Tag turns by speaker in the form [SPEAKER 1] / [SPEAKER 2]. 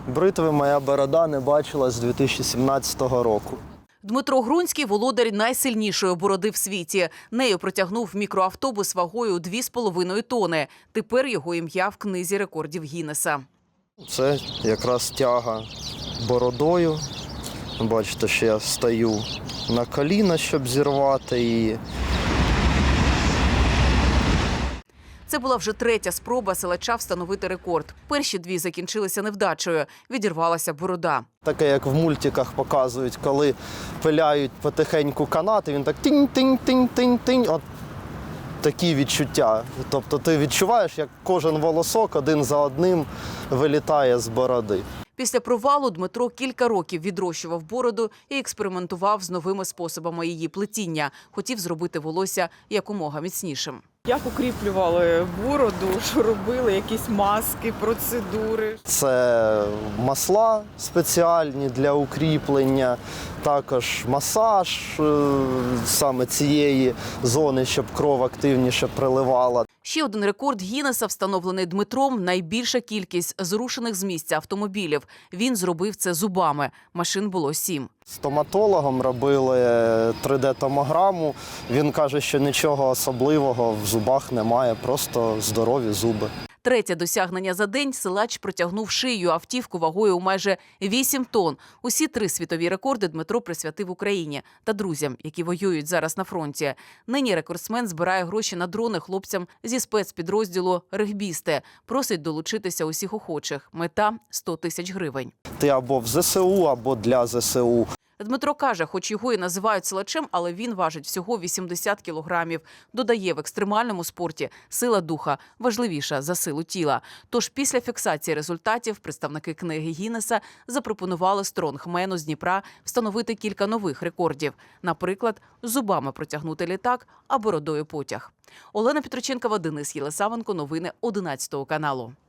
[SPEAKER 1] Бритви моя борода не бачила з 2017 року.
[SPEAKER 2] Дмитро Грунський – володар найсильнішої бороди в світі. Нею протягнув мікроавтобус вагою 2,5 тони. Тепер його ім'я в книзі рекордів Гіннеса.
[SPEAKER 1] Це якраз тяга бородою. Бачите, що я стою на коліна, щоб зірвати її.
[SPEAKER 2] Це була вже третя спроба силача встановити рекорд. Перші дві закінчилися невдачею. Відірвалася борода.
[SPEAKER 1] Таке, як в мультиках показують, коли пиляють потихеньку канати, він так тинь-тинь-тинь-тинь-тинь. От такі відчуття. Тобто ти відчуваєш, як кожен волосок один за одним вилітає з бороди.
[SPEAKER 2] Після провалу Дмитро кілька років відрощував бороду і експериментував з новими способами її плетіння. Хотів зробити волосся якомога міцнішим.
[SPEAKER 3] Як укріплювали бороду, що робили, якісь маски, процедури?
[SPEAKER 1] Це масла спеціальні для укріплення, також масаж саме цієї зони, щоб кров активніше приливала.
[SPEAKER 2] Ще один рекорд Гіннеса, встановлений Дмитром – найбільша кількість зрушених з місця автомобілів. Він зробив це зубами. Машин було 7.
[SPEAKER 1] Стоматологом робили 3D-томограму. Він каже, що нічого особливого в зубах немає, просто здорові зуби.
[SPEAKER 2] Третє досягнення за день – силач протягнув шию автівку вагою у майже 8 тонн. Усі 3 світові рекорди Дмитро присвятив Україні та друзям, які воюють зараз на фронті. Нині рекордсмен збирає гроші на дрони хлопцям зі спецпідрозділу «Регбісти». Просить долучитися усіх охочих. Мета – 100 тисяч гривень.
[SPEAKER 1] Ти або в ЗСУ, або для ЗСУ.
[SPEAKER 2] Дмитро каже, хоч його і називають силачем, але він важить всього 80 кілограмів. Додає, в екстремальному спорті сила духа важливіша за силу тіла. Тож після фіксації результатів представники книги Гіннеса запропонували стронгмену з Дніпра встановити кілька нових рекордів. Наприклад, зубами протягнути літак, а бородою потяг. Олена Петроченкова, Денис Єлисавенко. Новини 11 каналу.